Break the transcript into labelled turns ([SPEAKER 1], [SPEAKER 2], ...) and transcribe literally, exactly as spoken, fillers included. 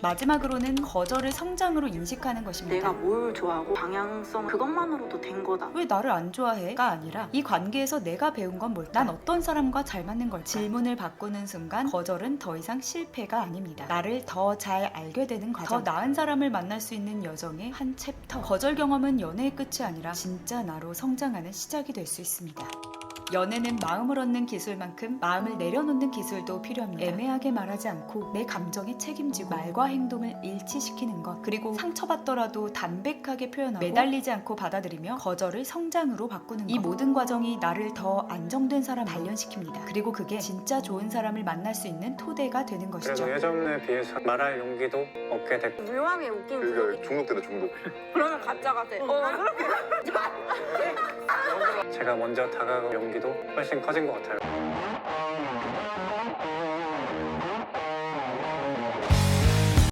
[SPEAKER 1] 마지막으로는 거절을 성장으로 인식하는 것입니다.
[SPEAKER 2] 내가 뭘 좋아하고 방향성 그것만으로도 된 거다.
[SPEAKER 1] 왜 나를 안 좋아해?가 아니라 이 관계에서 내가 배운 건 뭘까? 난 어떤 사람과 잘 맞는 걸까? 질문을 바꾸는 순간 거절은 더 이상 실패가 아닙니다. 나를 더 잘 알게 되는 과정, 더 나은 사람을 만날 수 있는 여정의 한 챕터. 거절 경험은 연애의 끝이 아니라 진짜 나로 성장하는 시작이 될 수 있습니다. 연애는 마음을 얻는 기술만큼 마음을 내려놓는 기술도 필요합니다. 애매하게 말하지 않고 내 감정에 책임지고 말과 행동을 일치시키는 것, 그리고 상처받더라도 담백하게 표현하고 매달리지 않고 받아들이며 거절을 성장으로 바꾸는 것. 이 모든 과정이 나를 더 안정된 사람 단련시킵니다. 그리고 그게 진짜 좋은 사람을 만날 수 있는 토대가 되는 것이죠.
[SPEAKER 3] 그래도 예전에 비해서 말할 용기도 얻게 됐고
[SPEAKER 4] 묘하게 웃긴
[SPEAKER 5] 그러니까 중독되다 중독.
[SPEAKER 4] 그러면 가짜가 돼. 어, 그렇게.
[SPEAKER 3] 제가 먼저 다가갈 용기도 훨씬 커진 것 같아요.